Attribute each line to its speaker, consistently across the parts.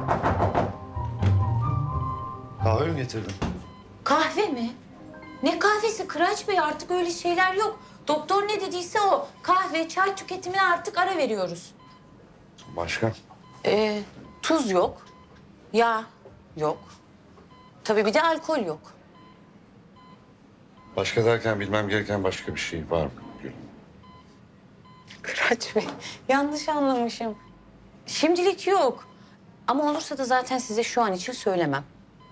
Speaker 1: Kahve mi getirdin?
Speaker 2: Kahve mi? Ne kahvesi Kıraç Bey? Artık öyle şeyler yok. Doktor ne dediyse o. Kahve, çay tüketimine artık ara veriyoruz.
Speaker 1: Başka?
Speaker 2: Tuz yok. Yağ yok. Tabii bir de alkol yok.
Speaker 1: Başka derken bilmem gereken başka bir şey var mı Gül?
Speaker 2: Kıraç Bey, yanlış anlamışım. Şimdilik yok. Ama olursa da zaten size şu an için söylemem.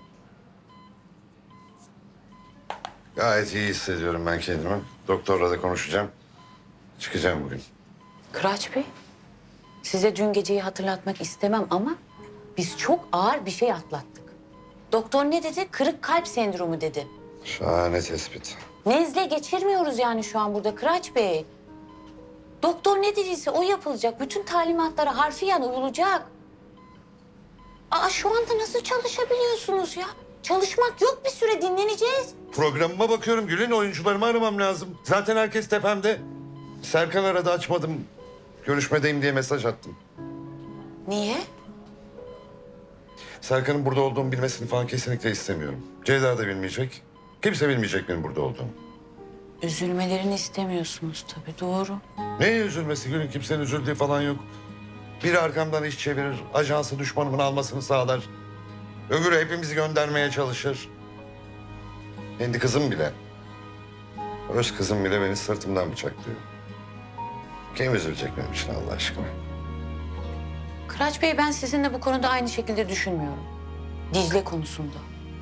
Speaker 1: Gayet iyi hissediyorum ben kendimi. Doktorla da konuşacağım. Çıkacağım bugün.
Speaker 2: Kıraç Bey, size dün geceyi hatırlatmak istemem ama biz çok ağır bir şey atlattık. Doktor ne dedi? Kırık kalp sendromu dedi.
Speaker 1: Şahane tespit.
Speaker 2: Nezle geçirmiyoruz yani şu an burada Kıraç Bey. Doktor ne dediyse o yapılacak. Bütün talimatlara harfiyen uyulacak. Aa şu anda nasıl çalışabiliyorsunuz ya? Çalışmak yok, bir süre dinleneceğiz.
Speaker 1: Programıma bakıyorum Gül'ün, oyuncularımı aramam lazım. Zaten herkes tepemde. Serkan aradı, açmadım. Görüşmedeyim diye mesaj attım.
Speaker 2: Niye?
Speaker 1: Serkan'ın burada olduğumu bilmesini falan kesinlikle istemiyorum. Ceyda da bilmeyecek. Kimse bilmeyecek benim burada olduğumu.
Speaker 2: Üzülmelerini istemiyorsunuz tabii, doğru.
Speaker 1: Neye üzülmesi Gül'ün? Kimsenin üzüldüğü falan yok. Biri arkamdan iş çevirir, ajansı düşmanımın almasını sağlar. Öbürü hepimizi göndermeye çalışır. Kendi kızım bile, öz kızım bile beni sırtımdan bıçaklıyor. Kim üzülecek benim için Allah aşkına?
Speaker 2: Kıraç Bey, ben sizinle bu konuda aynı şekilde düşünmüyorum. Dicle konusunda.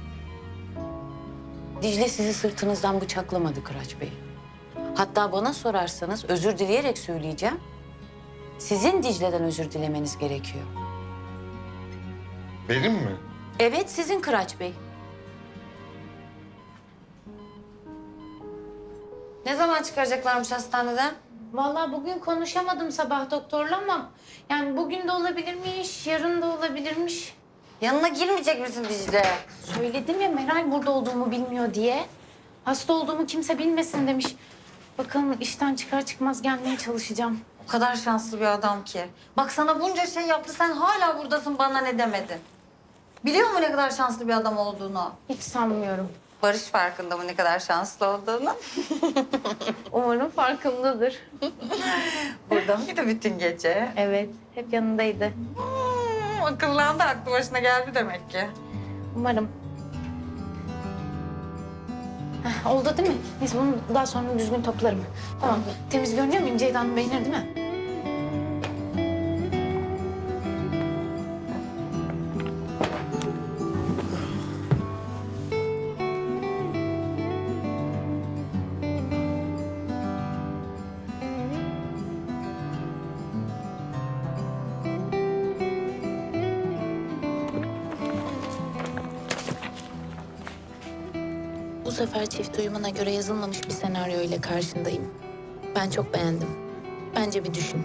Speaker 2: Dicle sizi sırtınızdan bıçaklamadı Kıraç Bey. Hatta bana sorarsanız özür dileyerek söyleyeceğim. Sizin Dicle'den özür dilemeniz gerekiyor.
Speaker 1: Benim mi?
Speaker 2: Evet, sizin Kıraç Bey.
Speaker 3: Ne zaman çıkaracaklarmış hastaneden?
Speaker 4: Vallahi bugün konuşamadım sabah doktorla ama yani bugün de olabilirmiş, yarın da olabilirmiş.
Speaker 3: Yanına girmeyecek misin Dicle?
Speaker 4: Söyledim ya Meral burada olduğumu bilmiyor diye. Hasta olduğumu kimse bilmesin demiş. Bakalım işten çıkar çıkmaz gelmeye çalışacağım.
Speaker 3: O kadar şanslı bir adam ki. Bak sana bunca şey yaptı, sen hala buradasın, bana ne demedin? Biliyor mu ne kadar şanslı bir adam olduğunu?
Speaker 4: Hiç sanmıyorum.
Speaker 3: Barış farkında mı ne kadar şanslı olduğunu?
Speaker 4: Umarım farkındadır.
Speaker 3: Burada mıydı bütün gece?
Speaker 4: Evet, hep yanındaydı.
Speaker 3: Akıllandı, aklı başına geldi demek ki.
Speaker 4: Umarım. Heh, oldu değil mi? Neyse bunu daha sonra düzgün toplarım. Tamam. Temiz görünüyor muyum? Ceyda Hanım beğenir değil mi?
Speaker 5: Bu sefer çift uyumuna göre yazılmamış bir senaryo ile karşındayım. Ben çok beğendim. Bence bir düşün.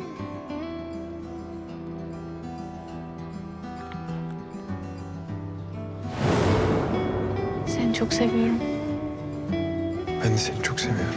Speaker 4: Seni çok seviyorum.
Speaker 6: Ben de seni çok seviyorum.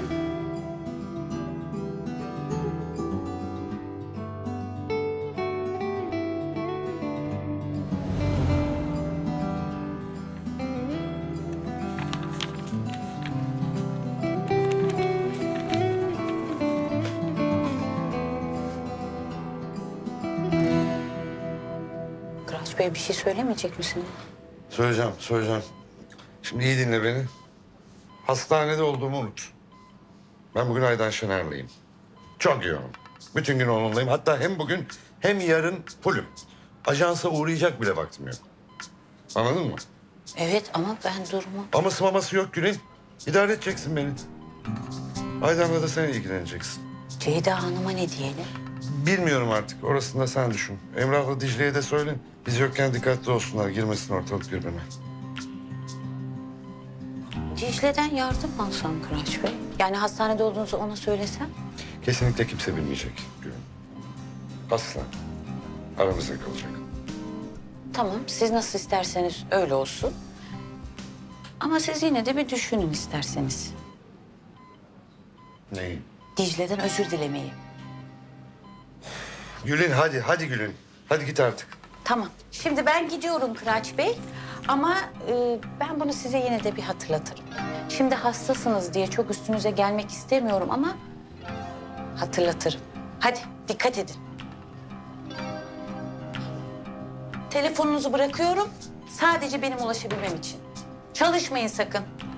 Speaker 2: Kıraç Bey, bir şey söylemeyecek misiniz?
Speaker 1: Söyleyeceğim. Şimdi iyi dinle beni. Hastanede olduğumu unut. Ben bugün Aydan Şener'leyim. Çok yoğunum. Bütün gün onunlayım. Hatta hem bugün hem yarın fullüm. Ajansa uğrayacak bile vaktim yok. Anladın mı?
Speaker 2: Evet ama ben durumu...
Speaker 1: Aması maması yok Gül'ün. İdare edeceksin beni. Aydan'la da sen ilgileneceksin.
Speaker 2: Ceyda Hanım'a ne diyelim?
Speaker 1: Bilmiyorum artık. Orasını da sen düşün. Emrah'la Dicle'ye de söyle. Biz yokken dikkatli olsunlar. Girmesin ortalık birbirine.
Speaker 2: Dicle'den yardım alsam Kıraç Bey. Yani hastanede olduğunuzu ona söylesem.
Speaker 1: Kesinlikle kimse bilmeyecek Gül'ün. Asla. Aramızda kalacak.
Speaker 2: Tamam, siz nasıl isterseniz öyle olsun. Ama siz yine de bir düşünün isterseniz.
Speaker 1: Neyi?
Speaker 2: Dicle'den özür dilemeyi.
Speaker 1: Gül'ün hadi Gül'ün. Hadi git artık.
Speaker 2: Tamam. Şimdi ben gidiyorum Kıraç Bey. Ama ben bunu size yine de bir hatırlatırım. Şimdi hastasınız diye çok üstünüze gelmek istemiyorum ama hatırlatırım. Hadi dikkat edin. Telefonunuzu bırakıyorum. Sadece benim ulaşabilmem için. Çalışmayın sakın.